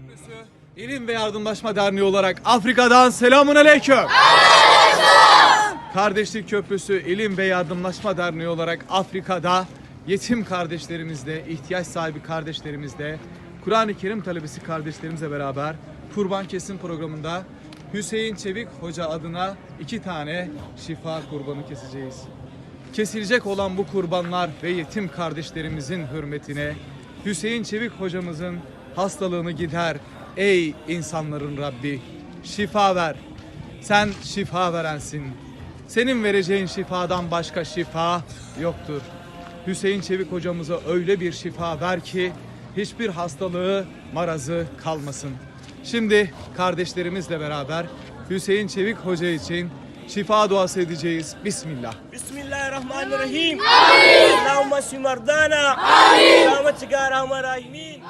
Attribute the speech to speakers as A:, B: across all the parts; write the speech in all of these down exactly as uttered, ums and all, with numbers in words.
A: Köprüsü İlim ve Yardımlaşma Derneği olarak Afrika'dan selamun aleyküm. Kardeşlik Köprüsü İlim ve Yardımlaşma Derneği olarak Afrika'da yetim kardeşlerimizle, ihtiyaç sahibi kardeşlerimizle, Kur'an-ı Kerim talebesi kardeşlerimizle beraber kurban kesim programında Hüseyin Çevik Hoca adına iki tane şifa kurbanı keseceğiz. Kesilecek olan bu kurbanlar ve yetim kardeşlerimizin hürmetine Hüseyin Çevik hocamızın hastalığını gider ey insanların Rabbi, şifa ver. Sen şifa verensin. Senin vereceğin şifadan başka şifa yoktur. Hüseyin Çevik hocamıza öyle bir şifa ver ki hiçbir hastalığı, marazı kalmasın. Şimdi kardeşlerimizle beraber Hüseyin Çevik Hoca için şifa duası edeceğiz. Bismillah.
B: Bismillahirrahmanirrahim. Amin. Allahümme şfi merdana. Amin. Rahmetika ya Erhamer Rahimin.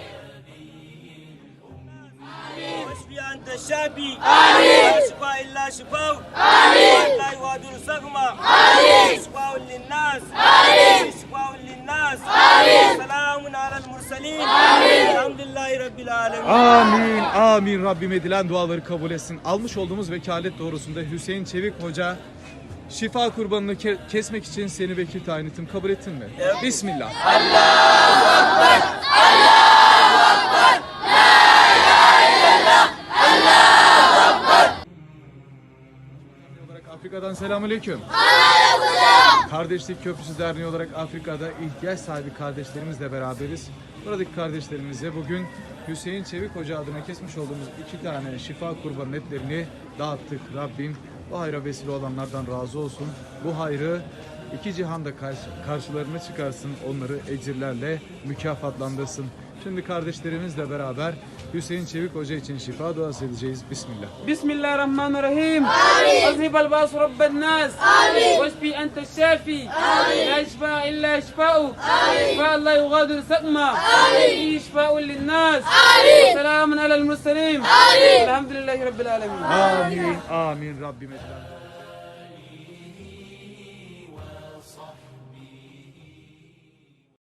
B: واشفي أنت الشافي لا شفاء إلا شفاء لا يغادر سقما شفاء للناس شفاء للناس سلام على المرسلين الحمد لله رب العالمين.
A: Amin, amin. Rabbim edilen duaları kabul etsin. Almış olduğumuz vekalet doğrusunda Hüseyin Çevik Hoca şifa kurbanını ke kesmek için seni vekil tayin ettim. Kabul ettin mi? Evet. Bismillah. Allahu Ekber, Allahu Ekber, La ilahe illallah, Allahu Ekber. Afrika'dan selamünaleyküm. Kardeşlik Köprüsü Derneği olarak Afrika'da ihtiyaç sahibi kardeşlerimizle beraberiz. Buradaki kardeşlerimize bugün Hüseyin Çevik Hoca adına kesmiş olduğumuz iki tane şifa kurbanı etlerini dağıttık. Rabbim bu hayra vesile olanlardan razı olsun. Bu hayrı iki cihanda karşı, karşılarına çıkarsın. Onları ecirlerle mükafatlandırsın. Şimdi kardeşlerimizle beraber Hüseyin Çevik Hoca için şifa duası edeceğiz. Bismillah.
C: Bismillahirrahmanirrahim. أذهب الباس رب الناس واشفي أنت الشافي لا شفاء إلا شفاؤك شفاء لا يغادر سقما فيه شفاء للناس سلام على المرسلين الحمد لله رب العالمين.
A: Amin. Amin. Rabbim edilen.